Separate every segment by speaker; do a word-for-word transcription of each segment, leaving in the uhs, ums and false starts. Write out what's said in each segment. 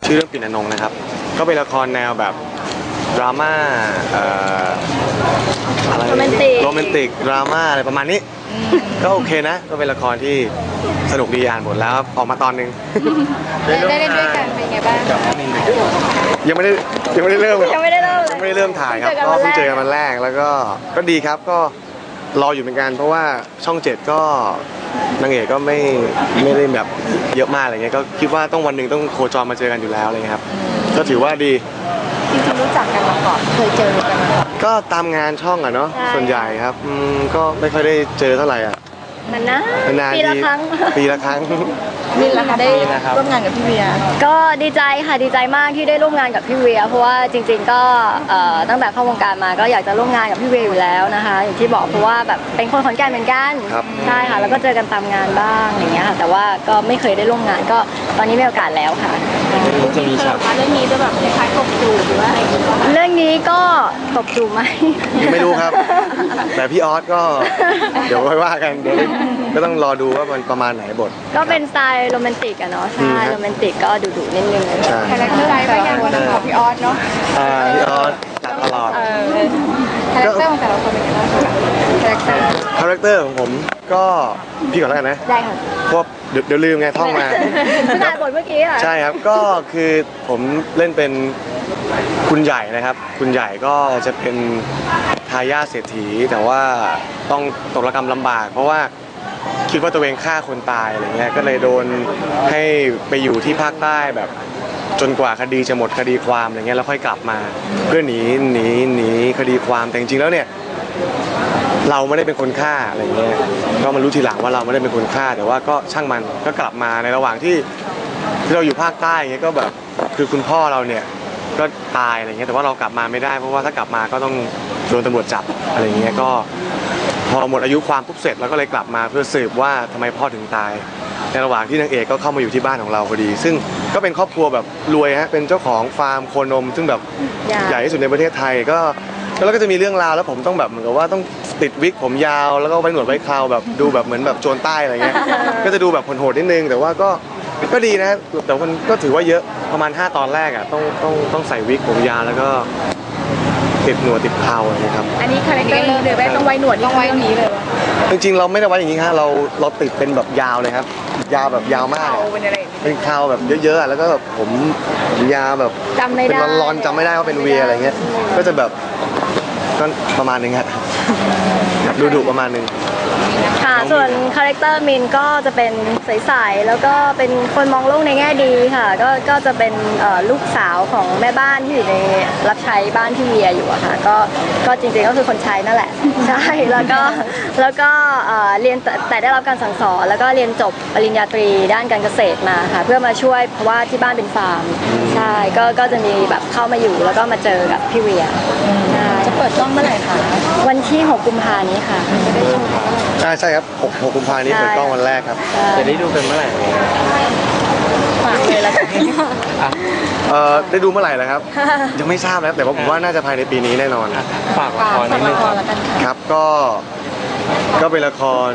Speaker 1: ชื่อเรื่องปิ่นอนงค์นะครับก็เป็นละครแนวแบบดราม่าอะไรโรแมนติกโรแมนติกดราม่าอะไรประมาณนี้ก็โอเคนะก็เป็นละครที่สนุกดีอ่านหมดแล้วออกมาตอนนึง
Speaker 2: ได้เล่นด้วยกันเป็นไงบ้าง
Speaker 1: ยังไม่ได้ยังไม่ได้เริ่ม
Speaker 2: ยังไม่ได้เริ่ม
Speaker 1: ยังไม่ได้เริ่มถ่ายครับก็เพิ่งเจอกันวันแรกแล้วก็ก็ดีครับก็รออยู่เหมือนกันเพราะว่าช่องเจ็ดก็นางเอกก็ไม่ไม่ได้แบบเยอะมากอะไรเงี้ยก็คิดว่าต้องวันหนึ่งต้องโคจรมาเจอกันอยู่แล้วอะไรเงี้ยครับก็ถือว่าดี
Speaker 2: จริงๆรู้จักกันมาก่อนเคยเจอกันมาก่อน
Speaker 1: ก็ตามงานช่องอะเนาะส่วนใหญ่ครับอืมก็ไม่ค่อยได้เจอเท่าไหร่อ่ะ
Speaker 2: นานๆปีละครั้ง
Speaker 1: ปีละครั้ง
Speaker 2: มินล่ะคะได้ร่วมงานกับพี่เวียก็ดีใจค่ะดีใจมากที่ได้ร่วมงานกับพี่เวียเพราะว่าจริงๆก็ตั้งแต่เข้าวงการมาก็อยากจะร่วมงานกับพี่เวียอยู่แล้วนะคะอย่างที่บอกเพราะว่าแบบเป็นคนขอนแก่นเหมือนกันใช่ค่ะแล้วก็เจอกันตามงานบ้างอย่างเงี้ยค่ะแต่ว่าก็ไม่เคยได้ร่วมงานก็ตอนนี้มีโอกาสแล้วค่ะ
Speaker 1: จะมีฉาก
Speaker 2: เรื่องนี้จะแบบคล้ายๆตบจูบหรือว่าอะไรเรื่องนี้ก็ตบจูบไหม
Speaker 1: ยังไม่รู้ครับแต่พี่ออสก็เดี๋ยวค่อยว่ากันเดี๋ยวก็ต้องรอดูว่ามันประมาณไหนบท
Speaker 2: ก็เป็นสไตล์โรแมนติกอะเนาะใช่โรแมนติกก็ดุๆนิดนึง
Speaker 1: คาแรคเตอร์
Speaker 2: อะไรบ้างอย่างของพี่ออสเนาะ
Speaker 1: พี่ออสจัดตลอด
Speaker 2: คาแรคเตอร์ของแต่ละคนเป็นยังไงบ้างคาแรคเตอร์
Speaker 1: คาแรคเตอร์ของผมก็พี่ก่อนแล้วกันนะ
Speaker 2: ได้ค่ะ
Speaker 1: เพราะเดี๋ยวลืมไงท่องมา
Speaker 2: ไม่ได้บทเมื่อกี้ค่ะ
Speaker 1: ใช่ครับก็คือผมเล่นเป็นคุณใหญ่นะครับคุณใหญ่ก็จะเป็นทายาทเศรษฐีแต่ว่าต้องตกระกำลำบากเพราะว่าคิดว่าตัวเองฆ่าคนตายอะไรเงี้ยก็เลยโดนให้ไปอยู่ที่ภาคใต้แบบจนกว่าคดีจะหมดคดีความอะไรเงี้ยแล้วค่อยกลับมาเพื่อหนีหนีหนีคดีความแต่จริงๆแล้วเนี่ยเราไม่ได้เป็นคนฆ่าอะไรเงี้ยก็มารู้ทีหลังว่าเราไม่ได้เป็นคนฆ่าแต่ว่าก็ช่างมันก็กลับมาในระหว่างที่ที่เราอยู่ภาคใต้เงี้ยก็แบบคือคุณพ่อเราเนี่ยก็ตายอะไรเงี้ยแต่ว่าเรากลับมาไม่ได้เพราะว่าถ้ากลับมาก็ต้องโดนตำรวจจับอะไรเงี้ยก็พอหมดอายุความปุ๊บเสร็จแล้วก็เลยกลับมาเพื่อสืบว่าทำไมพ่อถึงตายในระหว่างที่นางเอกก็เข้ามาอยู่ที่บ้านของเราพอดีซึ่งก็เป็นครอบครัวแบบรวยฮะเป็นเจ้าของฟาร์มโคนมซึ่งแบบใหญ่ที่สุดในประเทศไทยก็แล้วก็จะมีเรื่องราวแล้วผมต้องแบบเหมือนกับว่าต้องติดวิกผมยาวแล้วก็ไว้หนวดไว้คราวแบบดูแบบเหมือนแบบโจรใต้อะไรเงี้ยก็จะดูแบบโหดๆนิดนึงแต่ว่าก็ก็ดีนะแต่มันก็ถือว่าเยอะประมาณห้าตอนแรกอ่ะต้องต้องต้องใส่วิกผมยาวแล้วก็ติดหนวดติดคราวอะไรครับ
Speaker 2: อันนี้คาแรคเตอร์เลยแบบต้องไว้หนวดต้องไว้นี้เลย
Speaker 1: จริงๆเราไม่ได้ไว้อย่างนี้ฮะเราเราติดเป็นแบบยาวเลยครับยาวแบบยาวมากเป็นคราวแบบเยอะๆแล้วก็แบบผมยาวแบบ
Speaker 2: จำไม่ได้
Speaker 1: เป็นร้อนๆจำไม่ได้ว่าเป็นเวียอะไรเงี้ยก็จะแบบก็ประมาณนึงฮะดูดุประมาณนึง
Speaker 2: ค่ะส่วนคาแรคเตอร์มินก็จะเป็นใสๆแล้วก็เป็นคนมองโลกในแง่ดีค่ะก็ก็จะเป็นลูกสาวของแม่บ้านที่อยู่ในรับใช้บ้านที่เวียอยู่อะค่ะก็ก็จริงๆก็คือคนใช้นั่นแหละใช่แล้วก็แล้วก็เรียนแต่ได้รับการสั่งสอนแล้วก็เรียนจบปริญญาตรีด้านการเกษตรมาค่ะเพื่อมาช่วยเพราะว่าที่บ้านเป็นฟาร์มใช่ก็ก็จะมีแบบเข้ามาอยู่แล้วก็มาเจอกับพี่เวีย
Speaker 3: จะเปิดกล้องเมื่อไหร่คะ
Speaker 2: วันที่หกกุมภาพันธ์นี้ค่ะจะได้ชม
Speaker 1: ใช่ใช่ครับหกกุมภาพันธ์นี้เปิดกล้องวันแรกครับจะได้ดูกันเมื่อไหร่
Speaker 2: ฝากเลยละกัน
Speaker 1: เอ่อได้ดูเมื่อไหร่แล้วครับยังไม่ทราบนะแต่ว่าผมว่าน่าจะภายในปีนี้แน่นอน
Speaker 3: ฝากละครนิดนึง
Speaker 1: ครับก็ก็เป็นละคร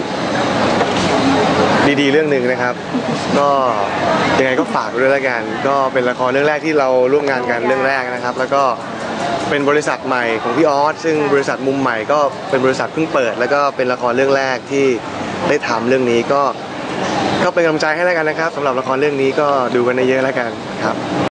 Speaker 1: ดีๆเรื่องหนึ่งนะครับก็ยังไงก็ฝากด้วยแล้วกันก็เป็นละครเรื่องแรกที่เราร่วมงานกันเรื่องแรกนะครับแล้วก็เป็นบริษัทใหม่ของพี่ออสซึ่งบริษัทมุมใหม่ก็เป็นบริษัทเพิ่งเปิดแล้วก็เป็นละครเรื่องแรกที่ได้ทำเรื่องนี้ก็ก็เป็นกำลังใจให้แล้วกันนะครับสำหรับละครเรื่องนี้ก็ดูกันเยอะๆแล้วกันครับ